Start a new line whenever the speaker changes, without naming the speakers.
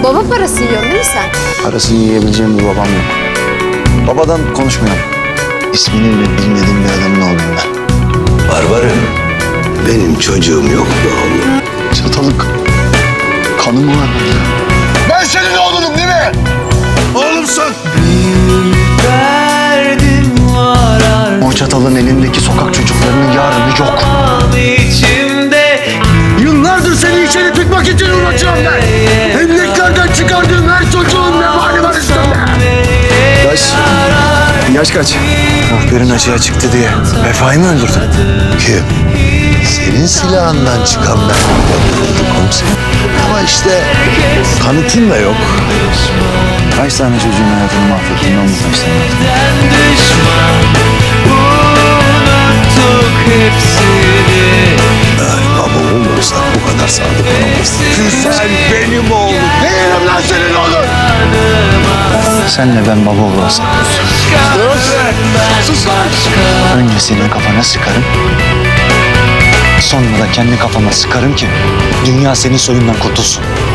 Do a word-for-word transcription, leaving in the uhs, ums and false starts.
Baba parası yiyorsun değil mi sen?
Parasını yiyebileceğim bir babam yok. Babadan konuşmuyorum. İsmini bile bilmediğim bir adamın oğluyum ben.
Barbarım, benim çocuğum yok mu oğlum?
Çatalık. Kanım var benim.
Ben senin oğlunum değil mi? Oğlumsun.
Derdim var
O çatalın elindeki sokak çocuklarının yarını yok.
içimde.
Yıllardır seni içeri tıkmak için uğraşıyorum ben. Emlaklardan çıkardığım her çocuğun vebali var üstümde.
Yaş. Yaş kaç? Muhbirin açığa çıktı diye Vefa'yı mı öldürdün?
Kim? Senin silahından çıkan ben öldürüldü komiserim. Ama işte kanıtın da yok.
Kaç tane çocuğun hayatını mahvettin lan bu kaç tane?
Düşman unuttuk hepsini.
Eğer baba olursak bu kadar sadık olamazsın. Sen benim oğlum. Değilim lan senin oğlun.
Senle ben baba olursak.
Sus lan.
Önce senin kafana sıkarım. Sonra da kendi kafama sıkarım ki dünya senin soyundan kurtulsun.